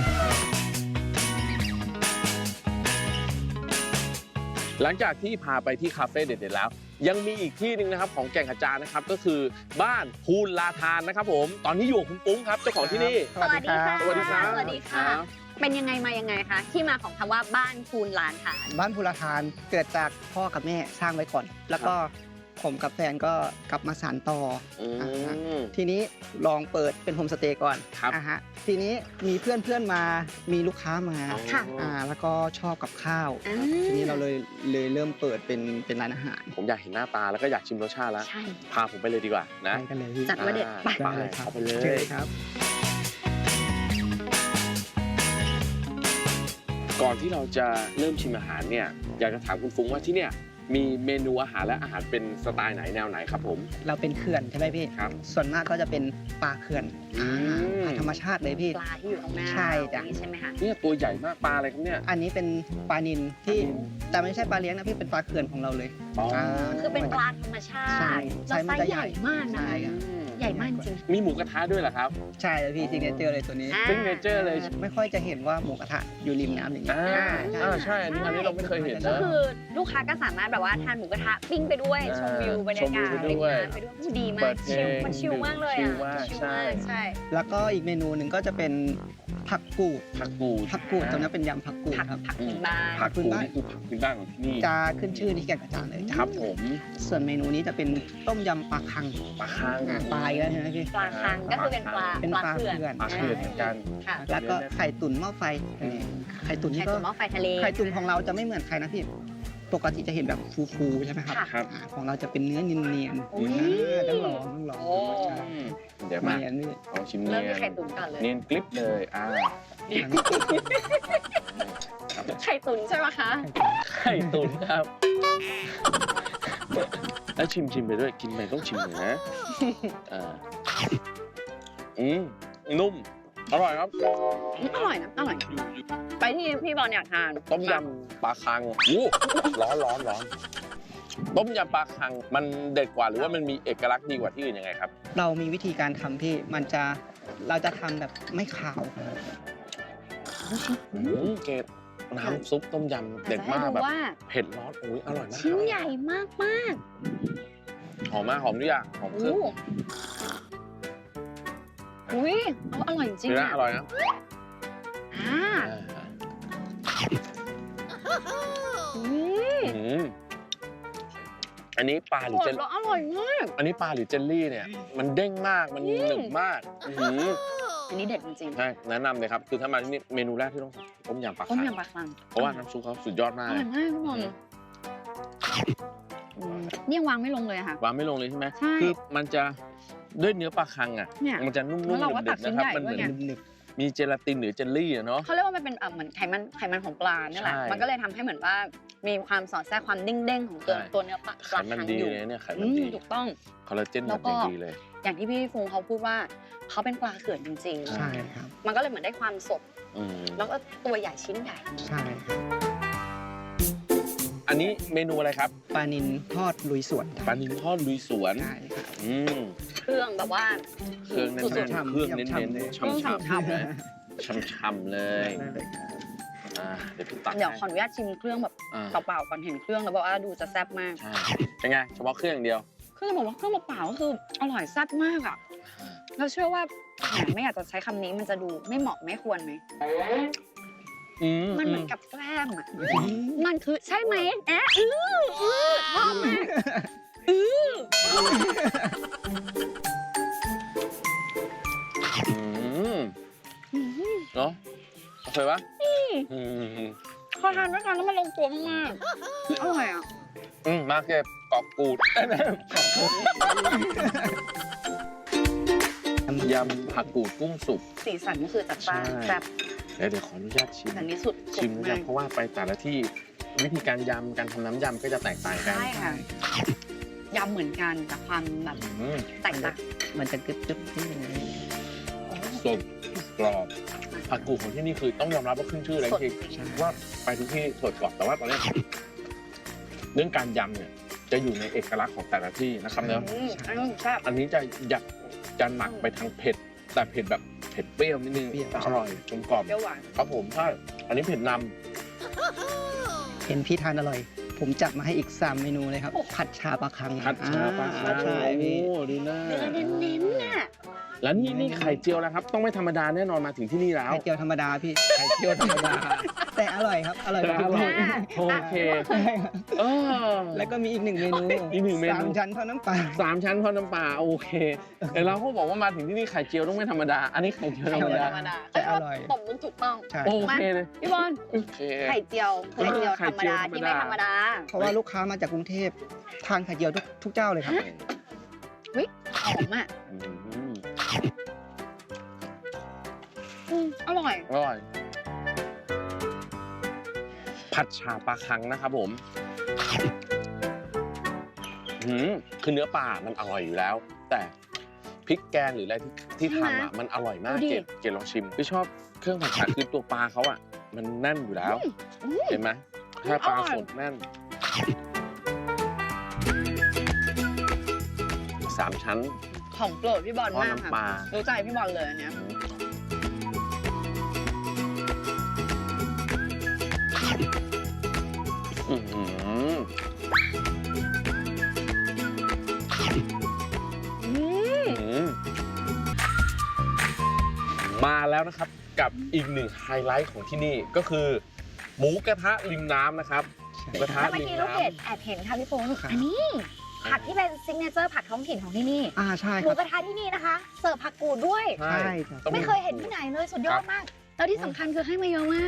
[SPEAKER 2] หลังจากที่พาไปที่คาเฟ่เด็ดๆแล้ว ยังมีอีกที่หนึ่งนะครับของแก่งกระจานนะครับก็คือบ้านภูลาทานนะครับผมตอนนี้อยู่กับคุณปุ้งครับเจ้าของที่นี่
[SPEAKER 3] สวัสดีค่ะ
[SPEAKER 2] สวัสดีครับ
[SPEAKER 3] สวัสดีค่ะ เป็นยังไงมายังไงคะที่มาของคำว่าบ้านคูนลานฐาน
[SPEAKER 7] บ้านภูราทานเกิดจากพ่อกับแม่สร้างไว้ก่อน แล้วก็ผมกับแฟนก็กลับมาสานต่อ
[SPEAKER 2] อื
[SPEAKER 7] อ่าฮะ
[SPEAKER 2] ม
[SPEAKER 7] ทีนี้ลองเปิดเป็นโฮมสเตย์ก่อน
[SPEAKER 2] ครับ
[SPEAKER 7] อ่าฮะทีนี้มีเพื่อนเพื่อนๆมามีลูกค้ามา
[SPEAKER 3] ค่ะ
[SPEAKER 7] อ่าแล้วก็ชอบกับข้าว
[SPEAKER 3] อ่า
[SPEAKER 7] ทีนี้เราเลยเลยเริ่มเปิดเป็นเป็นร้านอาหาร
[SPEAKER 2] ผมอยากเห็นหน้าตาแล้วก็อยากชิมรสชาติแล้ว
[SPEAKER 3] ใช่
[SPEAKER 2] พาผมไปเลยดีกว่านะ
[SPEAKER 7] ไปกันเลยพี่
[SPEAKER 3] จัดว่าเด็ดไป
[SPEAKER 2] ไป
[SPEAKER 7] ได้เลยครับ
[SPEAKER 2] เอาไปเล
[SPEAKER 7] เชิ
[SPEAKER 2] ย
[SPEAKER 7] ญครับ
[SPEAKER 2] ก่อนที่เราจะเริ่มชิมอาหารเนี่ยอยากจะถามคุณฟุ้งว่าที่เนี่ยมีเมนูอาหารและอาหารเป็นสไตล์ไหนแนวไหนครับผม
[SPEAKER 7] เราเป็นเขื่อนใช่ไหมพี่
[SPEAKER 2] ครับ
[SPEAKER 7] ส่วนมากก็จะเป็นปลาเขื่อน
[SPEAKER 2] อืม
[SPEAKER 7] ปลาธรรมชาติเลยพี่
[SPEAKER 3] ปลาที่อยู่ตรงหน้า
[SPEAKER 7] ใช่จ้ะ
[SPEAKER 3] อย่างนี้ใช่ไหมคะ
[SPEAKER 2] เนี่ยตัวใหญ่มากปลาอะไรครับเนี่ย
[SPEAKER 7] อันนี้เป็นปลานิลที่
[SPEAKER 2] ปลานิล
[SPEAKER 7] แต่ไม่ใช่ปลาเลี้ยงนะพี่เป็นปลาเขื่อนของเราเลย
[SPEAKER 2] อ๋อ
[SPEAKER 3] คือเป็นปลาธรรมชา
[SPEAKER 7] ใช่
[SPEAKER 3] ติ
[SPEAKER 7] ใช่
[SPEAKER 3] แล้ว
[SPEAKER 7] มั
[SPEAKER 3] ไซ
[SPEAKER 7] นจะ
[SPEAKER 3] ส์ใหญ่มากนะ
[SPEAKER 7] ใช่
[SPEAKER 3] คะ
[SPEAKER 7] ครับ
[SPEAKER 3] ใหญ่มากจริง
[SPEAKER 2] มีหมูกระทะด้วยเหรอครับ
[SPEAKER 7] ใช่เลยพี่ซิงเกิลเจอร์เลยตัวนี้
[SPEAKER 3] อ่า
[SPEAKER 2] ซิกเนเจอร์เลย
[SPEAKER 7] ไม่ค่อยจะเห็นว่าหมูกระทะอยู่ริมน้ำอย่างนี้
[SPEAKER 2] อ่า
[SPEAKER 7] ใช่
[SPEAKER 2] อ่าใช่อันนี้อันนี้เราไม่เคยเห็น
[SPEAKER 3] ก็
[SPEAKER 2] นะ
[SPEAKER 3] คือลูกค้าก็สามารถแบบว่าทานหมูกระทะปิ้งไปด้วย
[SPEAKER 2] อ่า
[SPEAKER 3] ชมวิวบรรยากาศ
[SPEAKER 2] ชมวิวไปด้วย
[SPEAKER 3] ริมน้ำไปด้วยผู้ดีมา
[SPEAKER 2] เปิ
[SPEAKER 3] ก
[SPEAKER 2] ดเพล
[SPEAKER 3] ชิล
[SPEAKER 2] ง
[SPEAKER 3] มันชิลมากเลย
[SPEAKER 2] ชิ
[SPEAKER 3] อ่ะ
[SPEAKER 2] ลมาก
[SPEAKER 3] ชิล
[SPEAKER 2] ใช่
[SPEAKER 3] มากใช่
[SPEAKER 7] แล้วก็อีกเมนูหนึ่งก็จะเป็นผักกูด
[SPEAKER 2] ผักกูด
[SPEAKER 7] ผักกูดตรงนี้เป็นยำผักกูด
[SPEAKER 3] ผัก
[SPEAKER 7] ครับ
[SPEAKER 3] ผักพื้นบ้าน
[SPEAKER 2] ผักกูดนี่คือผักพื้นบ้านของที่นี่
[SPEAKER 7] จะขึ้นชื่อที่แก่งกระจานเลยจ้ะ
[SPEAKER 2] ครับผม
[SPEAKER 7] ส่วนเมนูนี้จะเป็นต้มยำปลาคัง
[SPEAKER 2] ปลาค้าง
[SPEAKER 7] อ่าปลาอีกแล้วใช่ไหมพี่
[SPEAKER 3] ปลาคังก็คือเป็นปลา
[SPEAKER 7] เป็นปลา
[SPEAKER 3] เขื่อน
[SPEAKER 7] เขื่อน
[SPEAKER 2] ปลาเขื่อนเหมือนกัน
[SPEAKER 3] ค่ะ
[SPEAKER 7] แล้วก็ไข่ตุ๋นหม้อไฟอันนี้ไข่ตุ๋นนี่
[SPEAKER 3] ไข่
[SPEAKER 7] ก็
[SPEAKER 3] ตุ๋นหม้อไฟทะเล
[SPEAKER 7] ไข่ตุ๋นของเราจะไม่เหมือนใครนะพี่ ปกติจะเห็นแบบฟูๆใช่ไหมครับ
[SPEAKER 3] ค่ะ
[SPEAKER 2] ครับ
[SPEAKER 7] อ่าของเราจะเป็นเนื้อเนียน
[SPEAKER 3] อุ๊ย
[SPEAKER 7] ๆอ่าต้องลองต้องลอง
[SPEAKER 3] โอ้
[SPEAKER 2] อืมเดี๋ยวมา
[SPEAKER 7] เนียนนี่
[SPEAKER 2] ลองชิม
[SPEAKER 3] เริ่
[SPEAKER 2] เนี
[SPEAKER 3] ม
[SPEAKER 2] ย
[SPEAKER 3] ที่
[SPEAKER 2] น
[SPEAKER 3] ไข่ตุ๋นก่อนเลย
[SPEAKER 2] เนียนกลิปเลยอ่า
[SPEAKER 3] ไข่ตุ๋นใช่ไหมคะ
[SPEAKER 2] ไข่ตุ๋นครับ แล้วชิมชิมไปด้วยกินไปต้องชิมหน่อยนะอ่าอืมนุ่มอร่อยครับ
[SPEAKER 3] อร่อยนะ อร่อย ไปที่พี่บอลอยากทาน
[SPEAKER 2] ต้มยำปลาคังอู้ร้อนร้อนร้อนต้มยำปลาคังมันเด็ดกว่าหรือว่ามันมีเอกลักษณ์ดีกว่าที่อื่นยังไงครับ
[SPEAKER 7] เรามีวิธีการทำที่มันจะเราจะทำแบบไม่ขาว
[SPEAKER 2] อืมเกดน้ำซุปต้มยำเด็ดมากแบบ
[SPEAKER 3] ว่า
[SPEAKER 2] เผ็ดร้อนอุ้ยอร่อยมาก
[SPEAKER 3] ชิ้นใหญ่มากมาก
[SPEAKER 2] หอมมากหอมทุกอย่างหอม
[SPEAKER 3] ๆ
[SPEAKER 2] เครื่
[SPEAKER 3] โอ้
[SPEAKER 2] อง
[SPEAKER 3] อุ้ยอร่อยจริง
[SPEAKER 2] เนื้อ
[SPEAKER 3] อ่ะ
[SPEAKER 2] อร่อยนะ
[SPEAKER 3] อ่า
[SPEAKER 2] อ่า
[SPEAKER 3] อืม
[SPEAKER 2] อืมอันนี้ปลาหรือ
[SPEAKER 3] ส
[SPEAKER 2] เจ
[SPEAKER 3] ด
[SPEAKER 2] ล
[SPEAKER 3] แล้วอร่อยมาก
[SPEAKER 2] อันนี้ปลาหรือเจลลี่เนี่ย มันเด้งมากมันหนึบมากอื้อหือ
[SPEAKER 8] อันนี้เด็ดจริง
[SPEAKER 2] ใช่แนะนำเลยครับคือถ้ามาที่นี่เมนูแรกที่ต้องสั่งต้มยำปลา
[SPEAKER 8] ๆต้ม
[SPEAKER 2] คัง
[SPEAKER 8] ยำปลาคัง
[SPEAKER 2] เพราะว่าน้ำซุปเขาสุดยอด
[SPEAKER 8] อ
[SPEAKER 2] มาก
[SPEAKER 8] ร่อยมากพี่บอลอืมนี่ยังวางไม่ลงเลยอะค่ะ
[SPEAKER 2] วางไม่ลงเลยใช่ไหม
[SPEAKER 8] ใช่
[SPEAKER 2] คือมันจะด้วยเนื้อปลาคังอ่ะ
[SPEAKER 8] เนี่ย
[SPEAKER 2] มันจะนุ่ม
[SPEAKER 8] แล้วเรา
[SPEAKER 2] ๆ
[SPEAKER 8] ก็
[SPEAKER 2] เด็
[SPEAKER 8] ตั
[SPEAKER 2] ด
[SPEAKER 8] ก
[SPEAKER 2] ๆ
[SPEAKER 8] ชิ้น
[SPEAKER 2] นะครับ
[SPEAKER 8] ใหญ่
[SPEAKER 2] มันเหมือน
[SPEAKER 8] ด้วยไง
[SPEAKER 7] หนึบ
[SPEAKER 2] มีเจลาตินหรือเจลลี่อะเนาะ
[SPEAKER 8] เขาเรียกว่ามันเป็นเอ่อเหมือนไขมันไขมันของปลาเนี่ยแหละ
[SPEAKER 2] ใช่
[SPEAKER 8] มันก็เลยทำให้เหมือนว่ามีความสอดแทรกความเด้งๆของตัว
[SPEAKER 2] ใช่
[SPEAKER 8] ตัวเนื้อปลา
[SPEAKER 2] ไข
[SPEAKER 8] ปลา
[SPEAKER 2] มัน
[SPEAKER 8] คัง
[SPEAKER 2] ดี
[SPEAKER 8] อยู่
[SPEAKER 2] เลยเนี่ยไข
[SPEAKER 8] อื
[SPEAKER 2] มัน
[SPEAKER 8] ม
[SPEAKER 2] ดี
[SPEAKER 8] ถูกต้อง
[SPEAKER 2] คอลลาเจน
[SPEAKER 8] แล้
[SPEAKER 2] แบบ
[SPEAKER 8] วก็
[SPEAKER 2] ดีเลย
[SPEAKER 8] อย่างที่พี่ฟุงเขาพูดว่าเขาเป็นปลาเขื่อนจริง
[SPEAKER 7] ๆใช่ครับ
[SPEAKER 8] ๆ มันก็เลยเหมือนได้ความสด
[SPEAKER 2] อืม
[SPEAKER 8] แล้วก็ตัวใหญ่ชิ้นใหญ่
[SPEAKER 7] ใช่ครับ
[SPEAKER 2] อันนี้เมนูอะไรครับ
[SPEAKER 7] ปลานิลทอดลุยสวน
[SPEAKER 2] ปลานิลทอดลุยสวน
[SPEAKER 7] ใช่ครับ
[SPEAKER 2] อืม
[SPEAKER 8] เครื่องแบบว่า
[SPEAKER 2] เครื่องแน่
[SPEAKER 8] สุด
[SPEAKER 2] น
[SPEAKER 7] ๆ
[SPEAKER 2] ๆเครื่องเน้น
[SPEAKER 7] ฉ่ำๆเลย
[SPEAKER 2] ๆ
[SPEAKER 8] เครื่อง
[SPEAKER 2] ช่ำ
[SPEAKER 8] ฉ่ำ
[SPEAKER 2] ๆเลยช่ำๆเลย
[SPEAKER 7] ได้เลยครับ
[SPEAKER 2] อ่าเดี๋ยวพี่ตัก
[SPEAKER 8] ๆเดี๋ยวขอ
[SPEAKER 2] ให้
[SPEAKER 8] อนุญาตชิมเครื่องแบบ
[SPEAKER 2] อ่า
[SPEAKER 8] เปล่าๆก่อนเห็นเครื่องแล้วบอกว่าดูจะแซ่บมาก
[SPEAKER 2] ใช่เป็นไงเฉพาะเครื่องอย่างเดียว
[SPEAKER 8] เครื่องบอกว่าเครื่องเปล่าๆก็คืออร่อยแซ่บมากอ่ะเราเชื่อว่าแหมไม่อยากจะใช้คำนี้มันจะดูไม่เหมาะไม่ควรไหม
[SPEAKER 2] อืม
[SPEAKER 8] มันเหมือนกับแกล้มอ่ะมันคือใช่ไหมแอะอื้ออื้อชอบมากอื้อ
[SPEAKER 2] อืมเนาะโอเคปะอืม
[SPEAKER 8] พอทานด้วยกันแล้วมันลงตัวมากๆอร่อยอ่ะ
[SPEAKER 2] อืมมาเก็บกรอบกูดยำผักกูดกุ้งสุก
[SPEAKER 8] สีสันก็คือจัดจ้าน
[SPEAKER 2] ใช่
[SPEAKER 8] แซ่บ
[SPEAKER 2] เดี๋ยวเดี๋ยวขออนุญาตชิม
[SPEAKER 8] แต่นี้สุด
[SPEAKER 2] ชิม
[SPEAKER 8] สุด
[SPEAKER 2] นะ
[SPEAKER 8] มาก
[SPEAKER 2] เพราะว่าไปแต่ละที่วิธีการยำการทำน้ำยำก็จะแตกต่างกัน
[SPEAKER 8] ใช่ค่ะยำเหมือนกันแต่ความแบบ
[SPEAKER 2] อืม
[SPEAKER 8] แตกต่าง
[SPEAKER 7] มันจะกึบกึบนิดนึง
[SPEAKER 2] สดกรอบผักกูดของที่นี่คือต้องยอมรับว่าขึ้นชื่อเลย
[SPEAKER 8] สด
[SPEAKER 2] จริง
[SPEAKER 7] ใช่
[SPEAKER 2] ๆว่าไปทุกที่สดกรอบแต่ว่าตอนนี้เรื่องการยำเนี่ยจะอยู่ในเอกลักษณ์ของแต่ละที่นะครับเนอะ
[SPEAKER 8] อืมอันนี้แซ่บ
[SPEAKER 2] อันนี้จะอยากจะหนักไปทางเผ็ด แต่เผ็ดแบบเผ็ดเปรี้ยวนิดนึง
[SPEAKER 7] เปรี้ยว
[SPEAKER 2] แต่อร่อยกลมกล่อม
[SPEAKER 8] เปรี้ยวหวาน
[SPEAKER 2] ครับผมใช่อันนี้เผ็ดน
[SPEAKER 7] เห็นพี่ทานอร่อย ผมจัดมาให้อีกสามเมนูเลยครับ ผัดชาปลาคัง
[SPEAKER 2] ำผัดชาปลาคัง
[SPEAKER 7] ใช่พี่
[SPEAKER 2] โอ้ดูหน้า
[SPEAKER 8] เนื้อเน้นๆน่ะ
[SPEAKER 2] แล้วนี่นี่ไข่เจียวแล้วครับ ต้องไม่ธรรมดาแน่นอนมาถึงที่นี่แล้ว
[SPEAKER 7] ไข่เจียวธรรมดาพี่
[SPEAKER 2] ไข่เจียวธรรมดา
[SPEAKER 7] แต่อร่อยครับ อร่อยกว่าทุก
[SPEAKER 2] แต่อร่
[SPEAKER 7] ที่
[SPEAKER 2] อย โอเค
[SPEAKER 7] ใช่ครับ
[SPEAKER 2] เออ
[SPEAKER 7] แล้วก็มีอีกหนึ่งเมนู
[SPEAKER 2] อีกหนึ่งเมนู
[SPEAKER 7] สามชั้นทอดน้ำปลา
[SPEAKER 2] สามชั้นทอดน้ำปลาโอเคแต่เราก็บอกว่ามาถึงที่นี่ไข่เจียวต้องไม่ธรรมดา อันนี้ไข่เจียวธรรมดา
[SPEAKER 8] ธรรมดา
[SPEAKER 7] แต่อร่อย
[SPEAKER 8] ตบมุกถูกต้อง
[SPEAKER 7] ใช่
[SPEAKER 2] โอเคเลย
[SPEAKER 8] พี่บอล
[SPEAKER 2] โอเค
[SPEAKER 8] ไข่เจียวไข่เจียว
[SPEAKER 2] ไข่
[SPEAKER 8] ธรรม
[SPEAKER 2] เจียว
[SPEAKER 8] ดา
[SPEAKER 2] ธรรมดา
[SPEAKER 8] ที่ไม่ธรรมดา
[SPEAKER 7] เพราะว่าลูกค้ามาจากกรุงเทพทานไข่เจียวทุกทุกเจ้าเลยครับ
[SPEAKER 8] วิหอมอ่ะ
[SPEAKER 2] อืม
[SPEAKER 8] อืมอร่อย
[SPEAKER 2] อร่อยผัดชาปลาคังนะครับผมหืมคือเนื้อปลามันอร่อยอยู่แล้ว แต่พริกแกงหรืออะไรที่ที่
[SPEAKER 8] ใช่ไหม
[SPEAKER 2] ทำอ่ะมันอร่อยมาก
[SPEAKER 8] ดูดิ
[SPEAKER 2] เกดเกดลองชิมพี่ชอบเครื่องผัดชาคือตัวปลาเขาอ่ะ มันแน่นอยู่แล้ว
[SPEAKER 8] อืม
[SPEAKER 2] เห็นไหมถ้าปลา
[SPEAKER 8] อร่อย
[SPEAKER 2] สดแน่นสามชั้น
[SPEAKER 8] ของโปรดพี่บอล
[SPEAKER 2] ทอด
[SPEAKER 8] มาก
[SPEAKER 2] น้ำปลา
[SPEAKER 8] ค่ะรู้ใจพี่บอลเลยอันเนี้ย
[SPEAKER 2] อื้อหือ
[SPEAKER 8] อืม
[SPEAKER 2] อื้อหือมาแล้วนะครับกับอีกหนึ่งไฮไลท์ของที่นี่ก็คือหมูกระทะริมน้ำนะครับหมูกระทะ
[SPEAKER 3] แล้วเมื่อ
[SPEAKER 2] ริม
[SPEAKER 3] กี้ลูก
[SPEAKER 2] น้
[SPEAKER 3] เกดแอบเห็นค่ะพี่ปุ้ง
[SPEAKER 7] ครับ
[SPEAKER 3] อันนี้ผัดที่เป็นซิกเนเจอร์ผัดท้องถิ่นของที่นี่
[SPEAKER 7] อ่าใช่
[SPEAKER 3] ห
[SPEAKER 7] ค
[SPEAKER 3] มู
[SPEAKER 7] รับ
[SPEAKER 3] กระทะที่นี่นะคะ เสิร์ฟผักกูดด้วย
[SPEAKER 2] ำใช่
[SPEAKER 7] ใช่ครับ
[SPEAKER 2] ต้อง
[SPEAKER 3] ไม่เคยเห็นที่ไหนเลยสุดยอดมาก แล้วที่สำคัญคือให้มาเยอะมาก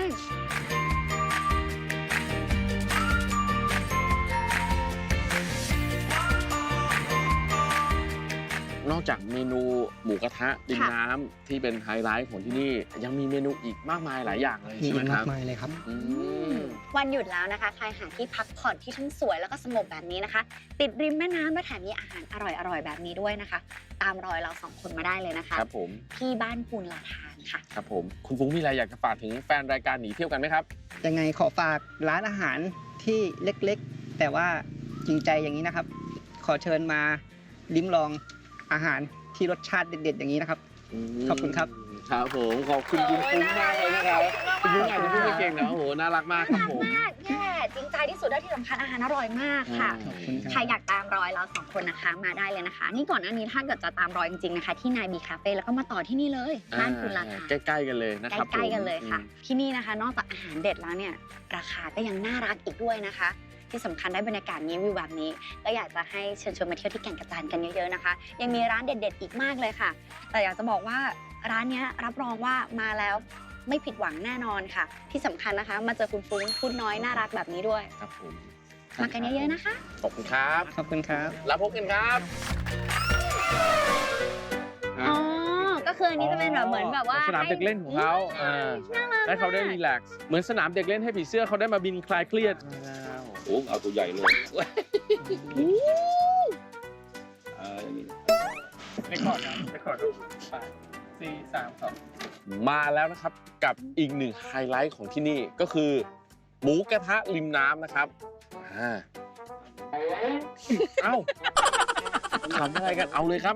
[SPEAKER 2] นอกจากเมนูหมูกระทะริม
[SPEAKER 3] ค่ะ
[SPEAKER 2] น้ำที่เป็นไฮไลท์ของที่นี่ ยังมีเมนูอีกมากมายหลายอย่างเลย
[SPEAKER 7] มี
[SPEAKER 2] ใช่ไหม
[SPEAKER 7] อีก
[SPEAKER 2] ค
[SPEAKER 7] มา
[SPEAKER 2] รั
[SPEAKER 7] ก
[SPEAKER 2] บ
[SPEAKER 7] มายเลยครับ
[SPEAKER 2] อืม
[SPEAKER 3] วันหยุดแล้วนะคะ ใครหาที่พักผ่อนที่ทั้งสวยแล้วก็สงบแบบนี้นะคะ ติดริมแม่น้ำและแถมมีอาหารอร่อยๆแบบนี้ด้วยนะคะ ตามรอยเราสองคนมาได้เลยนะคะ
[SPEAKER 2] ครับผม
[SPEAKER 3] ที่บ้านปูนลาทานค่ะ
[SPEAKER 2] ครับผมคุณฟุ้งมีอะไรอยากจะฝากถึงแฟนรายการหนีเที่ยวกันไหมครับ
[SPEAKER 7] ยังไงขอฝากร้านอาหารที่เล็กๆ แต่ว่าจริงใจอย่างนี้นะครับ ขอเชิญมาลิ้มลองอาหารที่รสชาติเด็ดๆอย่างนี้นะครับ ขอบคุณครับ
[SPEAKER 2] ครับผมขอบคุณคุณฟุ้งมากเลยนะครับคุณฟุ้งอาจจะพูดไม่เก่งนะโอ้โหน่ารักมากครับผม
[SPEAKER 3] มากแย่จริงใจที่สุดและที่สำคัญอาหารอร่อยมากค่ะ
[SPEAKER 7] ขอบคุณครับ
[SPEAKER 3] ใครอยากตามรอยเราสองคนนะคะ มาได้เลยนะคะ นี่ก่อนหน้านี้ถ้าเกิดจะตามรอยจริงๆนะคะ ที่นายบีคาเฟ่แล้วก็มาต่อที่นี่เลยบ้านคุณลาทาน
[SPEAKER 2] ใกล้ๆกันเลยนะครับ
[SPEAKER 3] ใกล้ๆกันเลยค่ะ
[SPEAKER 2] อืม
[SPEAKER 3] ที่นี่นะคะ นอกจากอาหารเด็ดแล้วเนี่ย ราคาก็ยังน่ารักอีกด้วยนะคะที่สำคัญได้บรรยากาศนี้วิวแบบนี้ก็อยากจะให้เชิญชวนมาเที่ยวที่แก่งกระจานกันเยอะๆนะคะยังมีร้านเด็ดๆอีกมากเลยค่ะแต่อยากจะบอกว่าร้านนี้รับรองว่ามาแล้วไม่ผิดหวังแน่นอนค่ะที่สำคัญนะคะมาเจอคุณฟุ้งพูดน้อยน่ารักแบบนี้ด้วย
[SPEAKER 2] ครับผม
[SPEAKER 3] มากันเยอะๆนะคะ
[SPEAKER 2] ขอบคุณครับ
[SPEAKER 7] ขอบคุณครับ
[SPEAKER 2] แล้วพบกันครับ
[SPEAKER 3] อ๋อ ก็คืออันนี้จะเป็นแบบเหมือนแบบว่า
[SPEAKER 2] สนามเด็กเล่นของเขาอ่า
[SPEAKER 3] น่ารัก
[SPEAKER 2] ให้เขาได้รีแลกซ์เหมือนสนามเด็กเล่นให้ผีเสื้อเขาได้มาบินคลายเครียด
[SPEAKER 4] โอ้เอาตัวใหญ่เลยเอออย่างนี้
[SPEAKER 7] ไปขอดนะไปขอดรูปสี่สามสอง
[SPEAKER 2] มาแล้วนะครับกับอีกหนึ่งไฮไลท์ของที่นี่ก็คือ หมูกระทะริมน้ำนะครับอ่าเอ้าทำอะไรกันเอาเลยครับ